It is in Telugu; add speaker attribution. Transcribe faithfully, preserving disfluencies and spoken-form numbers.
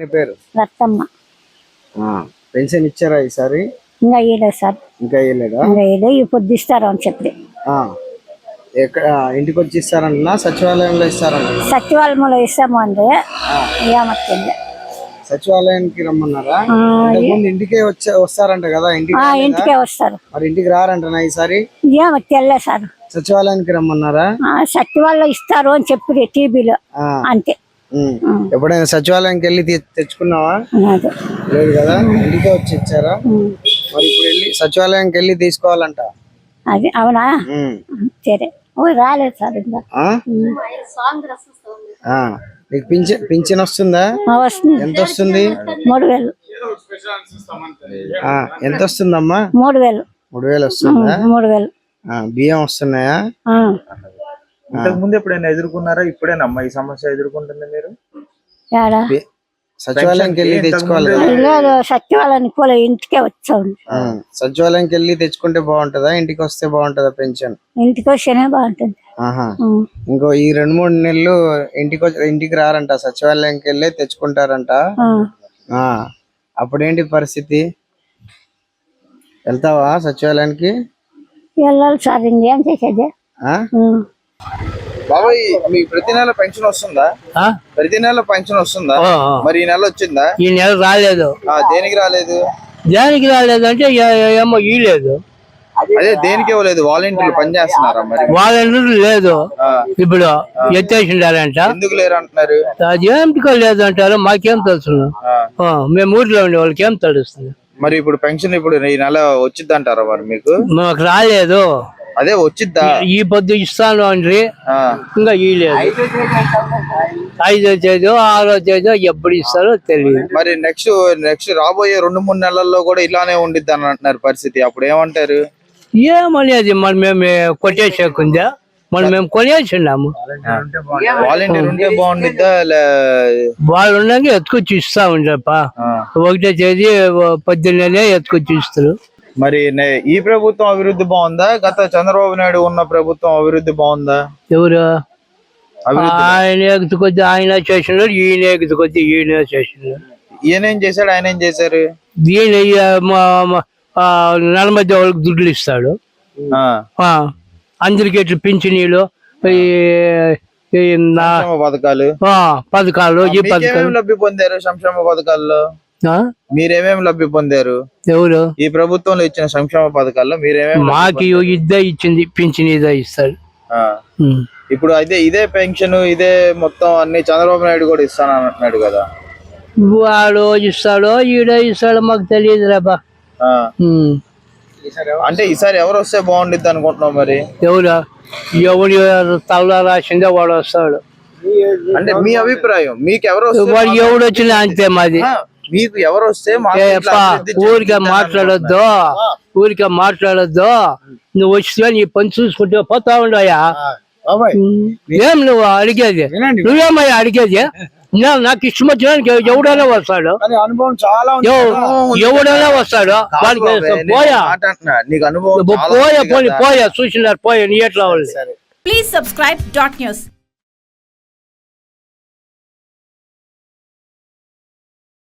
Speaker 1: పేరు
Speaker 2: రత్తమ్మ.
Speaker 1: పెన్షన్ ఇచ్చారా ఈసారి?
Speaker 2: ఇంకా ఇవ్వలేదు సార్.
Speaker 1: ఇంకా ఇవ్వలేదా?
Speaker 2: ఇంకా ఇవ్వలేదు. ఇప్పుడు ఇస్తారు అని చెప్పి
Speaker 1: ఎక్కడ ఇంటికి వచ్చి ఇస్తారంటున్నా సచివాలయంలో ఇస్తారంట?
Speaker 2: సచివాలయంలో ఇస్తాము అంటే ఏమొచ్చింది.
Speaker 1: సచివాలయానికి రమ్మన్నారా? ముందు ఇంటికే వచ్చే వస్తారంట కదా? ఇంటికి
Speaker 2: ఇంటికే వస్తారు.
Speaker 1: మరి ఇంటికి రారంటనా ఈసారి?
Speaker 2: ఏమో తెలియదు సార్.
Speaker 1: సచివాలయానికి రమ్మన్నారా?
Speaker 2: సచివాలయం ఇస్తారు అని చెప్పి టీవీలో అంతే.
Speaker 1: ఎప్పుడైనా సచివాలయానికి వెళ్ళి తెచ్చుకున్నావా? లేదు కదా, ఇంటికే వచ్చి ఇచ్చారా? మరి ఇప్పుడు వెళ్ళి సచివాలయానికి వెళ్ళి తీసుకోవాలంట.
Speaker 2: అది అవునా? సరే. రాలేదు సార్.
Speaker 1: నీకు పింఛన్ పింఛన్ వస్తుందా? ఎంత వస్తుంది?
Speaker 2: మూడు వేలు.
Speaker 1: ఎంత వస్తుందమ్మా?
Speaker 2: మూడు వేలు.
Speaker 1: మూడు వేలు వస్తుందా?
Speaker 2: మూడు వేలు.
Speaker 1: బియ్యం వస్తున్నాయా?
Speaker 3: ఇంతకు ముందు ఎప్పుడైనా ఎదుర్కొన్నారా? ఇప్పుడేనమ్మా ఈ సమస్య ఎదుర్కొంటుంది మీరు?
Speaker 1: సచివాలయానికి వెళ్ళి తెచ్చుకోవాలి.
Speaker 2: సచివాలయానికి పోలే, ఇంటికే వచ్చాము.
Speaker 1: సచివాలయానికి వెళ్ళి తెచ్చుకుంటే బాగుంటదా, ఇంటికి వస్తే బాగుంటదా పెన్షన్?
Speaker 2: ఇంటికి వస్తేనే బాగుంటుంది.
Speaker 1: ఇంకో ఈ రెండు మూడు నెలలు ఇంటికి ఇంటికి రారంట, సచివాలయానికి వెళ్ళి తెచ్చుకుంటారంట. అప్పుడేంటి పరిస్థితి? వెళ్తావా సచివాలయానికి?
Speaker 2: వెళ్ళాలి సార్. ఇంకేం చేసేది?
Speaker 1: బాబాయ్, మీకు ప్రతి నెల పెన్షన్ వస్తుందా? ప్రతి నెల పెన్షన్ వస్తుందా? మరి ఈ నెల వచ్చిందా?
Speaker 4: ఈ నెల రాలేదు.
Speaker 1: దేనికి రాలేదు?
Speaker 4: దేనికి రాలేదు అంటే ఏమో ఇవ్వలేదు.
Speaker 1: అదే దేనికి ఇవ్వలేదు? వాలంటీర్లు పనిచేస్తున్నారా? మరి
Speaker 4: వాలంటీర్లు లేదు, ఇప్పుడు ఎత్తేసిండారంట.
Speaker 1: ఎందుకు లేరు అంటున్నారు?
Speaker 4: అది ఏమిటికో లేదు అంటారు. మాకేం తెలుసు? మేము ఊర్లో ఉండే వాళ్ళకి ఏం తెలుస్తుంది?
Speaker 1: మరి ఇప్పుడు పెన్షన్ ఇప్పుడు ఈ నెల వచ్చిద్ది అంటారా మరి మీకు?
Speaker 4: మాకు రాలేదు.
Speaker 1: అదే వచ్చిద్దా?
Speaker 4: ఈ పొద్దు ఇస్తాను అండి, ఇంకా ఇవ్వలేదు. ఐదో తేదీ ఆరో తేదీ ఎప్పుడు ఇస్తారో తెలియదు.
Speaker 1: మరి నెక్స్ట్ నెక్స్ట్ రాబోయే రెండు మూడు నెలల్లో కూడా ఇలానే ఉండిద్ది అని అంటున్నారు పరిస్థితి. అప్పుడు ఏమంటారు?
Speaker 4: ఏమనేది మరి మేము కొట్టేసేకుందా? మనం మేము కొనేసిన్నాము.
Speaker 1: వాలంటీర్ ఉంటే బాగుండిద్దా?
Speaker 4: వాళ్ళు ఉన్నాక ఎత్తుకొచ్చి ఇస్తా ఉండప్ప. ఒకటో తేదీ పద్దెనిమిది ఎత్తుకొచ్చి ఇస్తారు.
Speaker 1: మరి ఈ ప్రభుత్వం అభివృద్ధి బాగుందా, గత చంద్రబాబు నాయుడు ఉన్న ప్రభుత్వం అభివృద్ధి బాగుందా?
Speaker 4: ఎవరు ఆయన ఎగుతుకొచ్చి ఆయన చేసినాడు, ఈయన ఎగుతుకొచ్చి ఈయన చేసినాడు.
Speaker 1: ఈయనేం చేశాడు? ఆయన ఏం చేశారు?
Speaker 4: ఈయన నలభై వాళ్ళకి దుడ్లు ఇస్తాడు, అందరికి ఇట్లా పింఛనీలు,
Speaker 1: పథకాలు
Speaker 4: పథకాలు ఈ పథకాలు
Speaker 1: లబ్ధి పొందారు. సంక్షేమ పథకాల్లో మీరేమేమి లబ్ధి పొందారు?
Speaker 4: ఎవరు
Speaker 1: ఈ ప్రభుత్వంలో ఇచ్చిన సంక్షేమ పథకాల్లో మీరేమేమి?
Speaker 4: మాకు ఇద్దే ఇచ్చింది, పింఛన్ ఇదే ఇస్తాడు.
Speaker 1: ఇప్పుడు అయితే ఇదే పెన్షన్ ఇదే మొత్తం అన్ని చంద్రబాబు నాయుడు కూడా ఇస్తాను అంటున్నాడు కదా?
Speaker 4: వాడు ఇస్తాడో ఈడో ఇస్తాడో మాకు తెలియదు రాబా.
Speaker 1: అంటే ఈసారి ఎవరు వస్తే బాగుండిద్ది అనుకుంటున్నావు? మరి
Speaker 4: ఎవరు ఎవడు తల రాసిందే వాడు వస్తాడు.
Speaker 1: అంటే మీ అభిప్రాయం, మీకు ఎవరు
Speaker 4: వాడు ఎవడు వచ్చినా అంతే. మాది
Speaker 1: మీకు ఎవరు వస్తే?
Speaker 4: ఊరికే మాట్లాడొద్దు, ఊరికే మాట్లాడొద్దు. నువ్వు వచ్చినా నీ పని చూసుకుంటే పోతా ఉండయా? ఏం నువ్వు అడిగేది? నువ్వేమయ్యా అడిగేది? నాకు ఇష్టం వచ్చినానికి ఎవడైనా వస్తాడు, ఎవడైనా వస్తాడు. పోయా పోయా పోనీ పోయా చూసినారు పోయా నీ ఎట్లా వాళ్ళు.
Speaker 5: Please subscribe dot news.